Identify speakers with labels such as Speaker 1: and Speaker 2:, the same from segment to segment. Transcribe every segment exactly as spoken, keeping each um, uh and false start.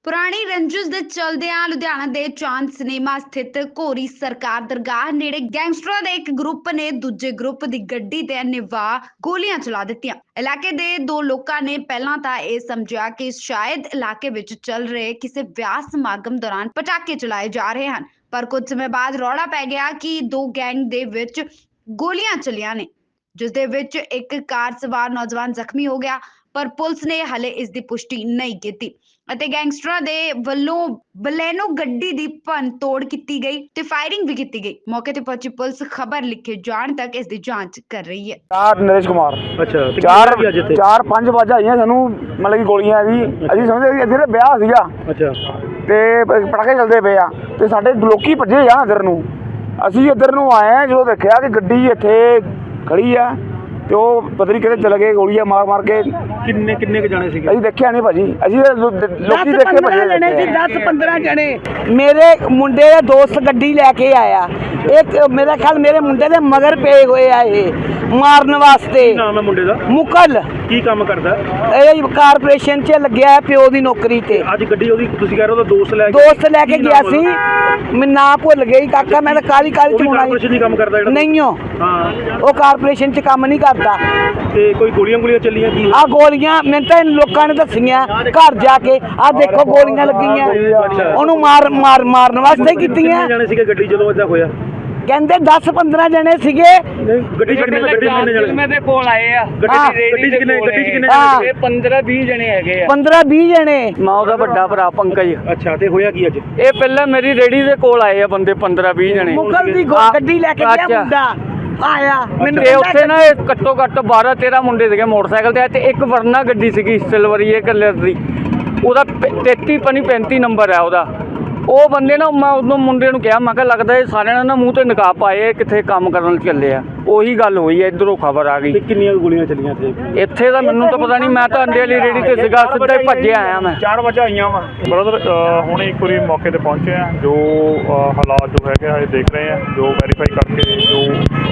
Speaker 1: ਪੁਰਾਣੀ ਰੰਜਿਸ਼ ਦੇ ਚਲਦਿਆਂ ਲੁਧਿਆਣਾ ਦੇ ਚਾਂਦ ਸਿਨੇਮਾ ਸਥਿਤ ਘੋਰੀ ਸਰਕਾਰ ਦਰਗਾਹ ਨੇੜੇ ਗੈਂਗਸਟਰਾਂ ਦੇ ਇੱਕ ਗਰੁੱਪ ਨੇ ਦੂਜੇ ਗਰੁੱਪ ਦੀ ਗੱਡੀ ਤੇ ਨਿਵਾਹ ਗੋਲੀਆਂ ਚਲਾ ਦਿੱਤੀਆਂ। ਇਲਾਕੇ ਦੇ ਦੋ ਲੋਕਾਂ ਨੇ ਪਹਿਲਾਂ ਤਾਂ ਇਹ ਸਮਝਿਆ ਕਿ ਸ਼ਾਇਦ ਇਲਾਕੇ ਵਿੱਚ ਚੱਲ ਰਹੇ ਕਿਸੇ ਵਿਆਹ ਸਮਾਗਮ ਦੌਰਾਨ ਪਟਾਕੇ ਚਲਾਏ ਜਾ ਰਹੇ ਹਨ, ਪਰ ਕੁਝ ਸਮੇਂ ਬਾਅਦ ਰੌਲਾ ਪੈ ਗਿਆ ਕਿ ਦੋ ਗੈਂਗ ਦੇ ਵਿੱਚ ਗੋਲੀਆਂ ਚਲੀਆਂ ਨੇ, ਜਿਸ ਦੇ ਵਿੱਚ ਇੱਕ ਕਾਰ ਸਵਾਰ ਨੌਜਵਾਨ ਜ਼ਖਮੀ ਹੋ ਗਿਆ। ਪਰ ਪੁਲਿਸ ਨੇ ਹਲੇ ਇਸ ਦੀ ਪੁਸ਼ਟੀ ਨਹੀਂ ਕੀਤੀ ਅਤੇ ਗੈਂਗਸਟਰਾਂ ਦੇ ਵੱਲੋਂ ਬਲੈਨੋ ਗੱਡੀ ਦੀ ਭੰਨ ਤੋੜ ਕੀਤੀ ਗਈ ਤੇ ਫਾਇਰਿੰਗ ਵੀ ਕੀਤੀ ਗਈ। ਮੌਕੇ ਤੇ ਪਹੁੰਚੀ ਪੁਲਿਸ ਖਬਰ ਲਿਖੇ ਜਾਣ ਤੱਕ ਇਸ ਦੀ ਜਾਂਚ ਕਰ ਰਹੀ ਹੈ।
Speaker 2: ਚਾਰ ਨਰੇਸ਼ ਕੁਮਾਰ
Speaker 3: ਅੱਛਾ ਤੇ
Speaker 2: ਚਾਰ
Speaker 3: ਕੀ ਅੱਜ ਇੱਥੇ
Speaker 2: ਚਾਰ ਪੰਜ ਵਜੇ ਆਈਆਂ ਸਾਨੂੰ, ਮਤਲਬ ਕਿ ਗੋਲੀਆਂ ਦੀ ਅਸੀਂ ਸਮਝਦੇ ਸੀ ਇੱਥੇ ਤਾਂ ਵਿਆਹ ਸੀਗਾ
Speaker 3: ਅੱਛਾ
Speaker 2: ਤੇ ਪਟਾਕੇ ਚੱਲਦੇ ਪਏ ਆ ਤੇ ਸਾਡੇ ਲੋਕੀ ਭੱਜੇ ਆ ਇੱਧਰ ਨੂੰ। ਅਸੀਂ ਇੱਧਰ ਨੂੰ ਆਏ ਆ, ਜਦੋਂ ਦੇਖਿਆ ਕਿ ਗੱਡੀ ਇੱਥੇ ਖੜੀ ਆ ਤੇ ਉਹ ਪਤਾ ਨਹੀਂ ਕਿਤੇ ਚਲੇ ਗਏ, ਗੋਲੀਆਂ ਮਾਰ ਮਾਰ ਕੇ।
Speaker 3: ਕਿੰਨੇ ਕਿੰਨੇ ਕ ਜਾਣੇ ਸੀਗੇ?
Speaker 2: ਅਸੀਂ ਦੇਖਿਆ ਨਹੀਂ ਭਾਜੀ, ਅਸੀਂ ਤਾਂ ਲੋ- ਲੋਕੀ ਦੇਖ ਕੇ ਭੱਜੇ
Speaker 4: ਜਣੇ ਸੀ,
Speaker 2: ਦੇਖੇ।
Speaker 4: ਦਸ ਪੰਦਰਾਂ ਜਣੇ। ਮੇਰੇ ਮੁੰਡੇ ਦਾ ਦੋਸਤ ਗੱਡੀ ਲੈ ਕੇ ਆਇਆ, ਇੱਕ ਮੇਰਾ ਖਿਆਲ ਮੇਰੇ ਮੁੰਡੇ ਦੇ ਮਗਰ ਪਏ ਹੋਏ ਆ ਇਹ ਮਾਰਨ ਵਾਸਤੇ।
Speaker 3: ਕੀ ਨਾਮ ਹੈ ਮੁੰਡੇ ਦਾ?
Speaker 4: ਮੁਕਲ
Speaker 3: ਕੀ ਕੰਮ ਕਰਦਾ?
Speaker 4: ਇਹ ਕਾਰਪੋਰੇਸ਼ਨ 'ਚ ਲੱਗਿਆ ਹੈ ਪਿਓ ਦੀ ਨੌਕਰੀ ਤੇ।
Speaker 3: ਅੱਜ ਗੱਡੀ ਉਹਦੀ ਤੁਸੀਂ ਕਹਿ ਰਹੇ ਹੋ ਉਹਦਾ ਦੋਸਤ ਲੈ ਕੇ
Speaker 4: ਦੋਸਤ ਲੈ ਕੇ
Speaker 3: ਕੀ
Speaker 4: ਗਿਆ
Speaker 3: ਨਾਮ
Speaker 4: ਸੀ,
Speaker 3: ਉਹਦਾ?
Speaker 4: ਮੈਂ ਨਾਂ ਭੁੱਲ ਗਈ ਕਾਕਾ, ਮੈਂ ਤਾਂ ਕਾਲੀ ਕਾਲੀ
Speaker 3: ਉਹ ਵੀ
Speaker 4: ਚੁਣਾਈ
Speaker 3: ਕਾਰਪੋਰੇਸ਼ਨ ਦੀ ਕੰਮ ਕਰਦਾ ਜਿਹੜਾ?
Speaker 4: ਨਹੀਂ ਹੋ,
Speaker 3: ਹਾਂ।
Speaker 4: ਉਹ ਕਾਰਪੋਰੇਸ਼ਨ 'ਚ ਕੰਮ ਨਹੀਂ ਕਰਦਾ।
Speaker 3: ਤੇ ਕੋਈ ਗੋਲੀਆਂ ਗੋਲੀਆਂ ਚੱਲੀਆਂ ਕੀ?
Speaker 4: ਆ ਗੋਲੀਆਂ ਮੈਨੂੰ ਤਾਂ ਇਹਨਾਂ ਲੋਕਾਂ ਨੇ ਦੱਸੀਆਂ ਘਰ ਜਾ ਕੇ, ਆ ਦੇਖੋ ਗੋਲੀਆਂ ਲੱਗੀਆਂ, ਉਹਨੂੰ ਮਾਰ ਮਾਰ ਮਾਰਨ ਵਾਸਤੇ ਕੀਤੀਆਂ।
Speaker 3: ਕਿੰਨੇ ਜਾਣੇ ਸੀਗੇ ਗੱਡੀ ਜਦੋਂ ਇਦਾਂ ਹੋਇਆ?
Speaker 4: ਕਹਿੰਦੇ ਦਸ ਪੰਦਰਾਂ ਜਣੇ ਸੀਗੇ।
Speaker 3: ਨਹੀਂ ਗੱਡੀ 'ਚ ਕਿੰਨੇ ਗੱਡੀ 'ਚ ਕਿੰਨੇ ਜਾਣੇ?
Speaker 5: ਮੈਂ ਦੇ ਕੋਲ ਆਏ ਆ
Speaker 3: ਗੱਡੀ 'ਚ ਗੱਡੀ 'ਚ ਕਿੰਨੇ ਗੱਡੀ 'ਚ ਕਿੰਨੇ
Speaker 4: ਹਾਂ।
Speaker 3: ਜਾਣੇ?
Speaker 5: ਇਹ ਪੰਦਰਾਂ ਵੀਹ ਜਣੇ ਹੈਗੇ ਆ।
Speaker 4: ਪੰਦਰਾਂ ਵੀਹ ਜਣੇ।
Speaker 5: ਮੈਂ ਉਹਦਾ ਵੱਡਾ ਭਰਾ ਪੰਕਜ।
Speaker 3: ਅੱਛਾ ਤੇ ਹੋਇਆ ਕੀ ਅੱਜ?
Speaker 5: ਇਹ ਪਹਿਲਾਂ ਮੇਰੀ ਰੇੜੀ ਦੇ ਕੋਲ ਆਏ ਆ ਬੰਦੇ ਪੰਦਰਾਂ ਵੀਹ ਜਣੇ।
Speaker 4: ਮੁਗਲ ਦੀ ਗੋ-
Speaker 5: ਹਾਂ।
Speaker 4: ਗੱਡੀ ਲੈ ਕੇ ਗਿਆ
Speaker 5: ਅੱਛਾ।
Speaker 4: ਮੁੰਡਾ ਆਇਆ, ਮੈਨੂੰ
Speaker 5: ਤੇ
Speaker 4: ਕਹਿੰਦਾ
Speaker 5: ਉੱਥੇ ਨਾ ਇਹ ਘੱਟੋ ਘੱਟ ਬਾਰਾਂ ਤੇਰਾਂ ਮੁੰਡੇ ਸੀਗੇ ਮੋਟਰਸਾਈਕਲ ਤੇ, ਤੇ ਇੱਕ ਵਰਨਾ ਗੱਡੀ ਸੀਗੀ ਸਿਲਵਰੀਏ ਕਲਰ ਦੀ, ਉਹਦਾ ਤੇਤੀ ਪਨੀ ਪੈਂਤੀ ਨੰਬਰ ਹੈ ਉਹਦਾ। ਉਹ ਬੰਦੇ ਨਾ, ਮੈਂ ਉਦੋਂ ਮੁੰਡੇ ਨੂੰ ਕਿਹਾ, ਮੈਂ ਕਿਹਾ ਲੱਗਦਾ ਇਹ ਸਾਰਿਆਂ ਨੇ ਨਾ ਮੂੰਹ ਤੇ ਨਕਾਬ ਪਾਏ, ਕਿੱਥੇ ਕੰਮ ਕਰਨ ਚੱਲੇ ਆ। ਉਹੀ ਗੱਲ ਹੋਈ ਹੈ, ਇੱਧਰੋਂ ਖਬਰ ਆ ਗਈ।
Speaker 3: ਤੇ ਕਿੰਨੀਆਂ ਗੋਲੀਆਂ ਚੱਲੀਆਂ ਇੱਥੇ?
Speaker 5: ਇੱਥੇ ਤਾਂ ਮੈਨੂੰ ਤਾਂ ਪਤਾ ਨਹੀਂ, ਮੈਂ ਤਾਂ ਅੰਡੇ ਵਾਲੀ ਰੇੜੀ ਤੇ ਸੀਗਾ, ਸਿੱਧਾ ਹੀ ਭੱਜਿਆ ਆਇਆ ਮੈਂ।
Speaker 2: ਚਾਰ ਵਜੇ ਆਈਆਂ ਵਾ
Speaker 6: ਬ੍ਰਦਰ ਹੁਣ ਇੱਕ ਵਾਰੀ ਮੌਕੇ ਤੇ ਪਹੁੰਚੇ ਆ, ਜੋ ਅ, ਹਾਲਾਤ ਜੋ ਹੈਗੇ ਆ ਇਹ ਦੇਖ ਰਹੇ ਆ, ਜੋ ਵੈਰੀਫਾਈ ਕਰਕੇ ਜੋ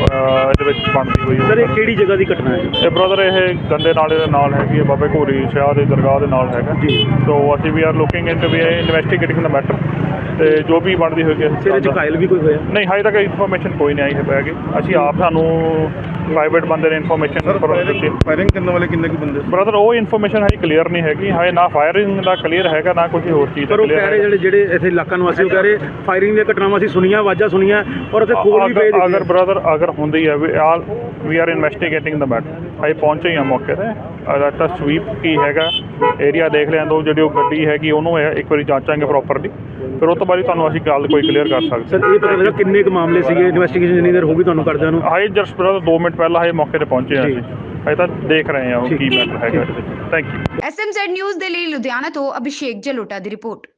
Speaker 6: ਅ, ਇਹਦੇ ਵਿੱਚ ਬਣਦੀ ਹੋਈ
Speaker 3: ਸਰ ਇਹ ਕਿਹੜੀ ਜਗ੍ਹਾ ਦੀ ਘਟਨਾ ਹੈ?
Speaker 6: ਇਹ ਬ੍ਰਦਰ ਇਹ ਗੰਦੇ ਨਾਲੇ ਦੇ ਨਾਲ ਹੈਗੀ ਹੈ, ਬਾਬੇ ਘੋਰੀ ਸ਼ਾਹ ਦੇ ਦਰਗਾਹ ਦੇ ਨਾਲ ਹੈਗਾ
Speaker 3: ਜੀ।
Speaker 6: ਸੋ ਅਸੀਂ we are looking into we investigating ਦਾ ਮੈਟਰ, ਤੇ ਜੋ ਵੀ ਬਣਦੀ ਹੋਏਗੀ ਅਸੀਂ
Speaker 3: ਸਿਰੇ 'ਚ ਘਾਇਲ ਵੀ ਕੋਈ ਹੋਇਆ?
Speaker 6: ਨਹੀਂ ਹਜੇ ਤੱਕ ਇਨਫੋਰਮੇਸ਼ਨ ਕੋਈ ਨਹੀਂ ਆਈ ਹੈ ਹੈਗੀ। ਅਸੀਂ ਆਪ ਸਾਨੂੰ ਪ੍ਰਾਈਵੇਟ ਬੰਦੇ ਨੇ ਇਨਫੋਰਮੇਸ਼ਨ ਦਿੱਤੀ।
Speaker 7: ਫਾਇਰਿੰਗ ਕਰਨ ਵਾਲੇ ਕਿੰਨੇ ਕੁ ਬੰਦੇ?
Speaker 6: ਬ੍ਰਦਰ ਉਹ ਇਨਫੋਰਮੇਸ਼ਨ ਹਜੇ ਕਲੀਅਰ ਨਹੀਂ ਹੈਗੀ, ਹਜੇ ਨਾ ਫਾਇਰਿੰਗ ਦਾ ਕਲੀਅਰ ਹੈਗਾ ਨਾ ਕੋਈ ਹੋਰ ਚੀਜ਼ ਦਾ
Speaker 3: ਪਰ ਉਹ
Speaker 6: clear
Speaker 3: ਕਹਿ ਰਹੇ
Speaker 6: ਹੈਗਾ।
Speaker 3: ਜਿਹੜੇ ਜਿਹੜੇ ਇੱਥੇ ਇਲਾਕਾ ਨਿਵਾਸੀ ਉਹ ਕਹਿ ਰਹੇ ਫਾਇਰਿੰਗ ਦੀਆਂ ਘਟਨਾਵਾਂ ਅਸੀਂ ਸੁਣੀਆਂ, ਆਵਾਜ਼ਾਂ ਸੁਣੀਆਂ, ਔਰ ਉੱਥੇ ਖੋਲ ਵੀ ਪਏ
Speaker 6: ਅਗਰ
Speaker 3: ਦੇਖੇ।
Speaker 6: ਬ੍ਰਦਰ ਅਗਰ ਹੁੰਦੀ ਹੈ we all we are investigating ਦਾ ਮੈਟਰ। ਅਸੀਂ ਪਹੁੰਚੇ ਹੀ ਹਾਂ ਮੌਕੇ ਤੇ, ਅਗਰ ਤਾਂ ਸਵੀਪ ਕੀ ਹੈਗਾ ਏਰੀਆ ਦੇਖ ਲਿਆ, ਦੋ ਜਿਹੜੀ ਉਹ ਗੱਡੀ ਹੈਗੀ ਉਹਨੂੰ ਇਹ ਇੱਕ ਵਾਰੀ ਜਾਂਚਾਂਗੇ ਪ੍ਰੋਪਰਲੀ, ਫਿਰ ਉਹ ਤੋਂ ਬਾਅਦ ਤੁਹਾਨੂੰ ਅਸੀਂ ਗੱਲ ਕੋਈ ਕਲੀਅਰ ਕਰ ਸਕਦੇ।
Speaker 3: ਸਰ ਇਹ ਪਤਾ ਲੱਗਾ ਕਿੰਨੇ ਕੁ ਮਾਮਲੇ ਸੀਗੇ, ਇਨਵੈਸਟੀਗੇਸ਼ਨ ਜਿੰਨੀ ਦੇਰ ਹੋ ਗਈ ਤੁਹਾਨੂੰ ਕਰਦਿਆਂ ਨੂੰ?
Speaker 6: ਹਾਈ ਜਸਟ ਬ੍ਰਦਰ ਦੋ ਮਿੰਟ ਪਹਿਲਾਂ ਅਸੀਂ ਮੌਕੇ ਤੇ ਪਹੁੰਚੇ ਹਾਂ,
Speaker 3: ਜੀ।
Speaker 6: ਅਸੀਂ ਅਸੀਂ ਤਾਂ ਦੇਖ ਰਹੇ ਹਾਂ ਉਹ
Speaker 3: ਠੀਕ।
Speaker 6: ਕੀ ਮੈਟਰ ਹੈਗਾ। Thank you.
Speaker 1: S M Z news ਦੇ ਲਈ ਲੁਧਿਆਣਾ ਤੋਂ ਅਭਿਸ਼ੇਕ ਜਲੋਟਾ ਦੀ ਰਿਪੋਰਟ।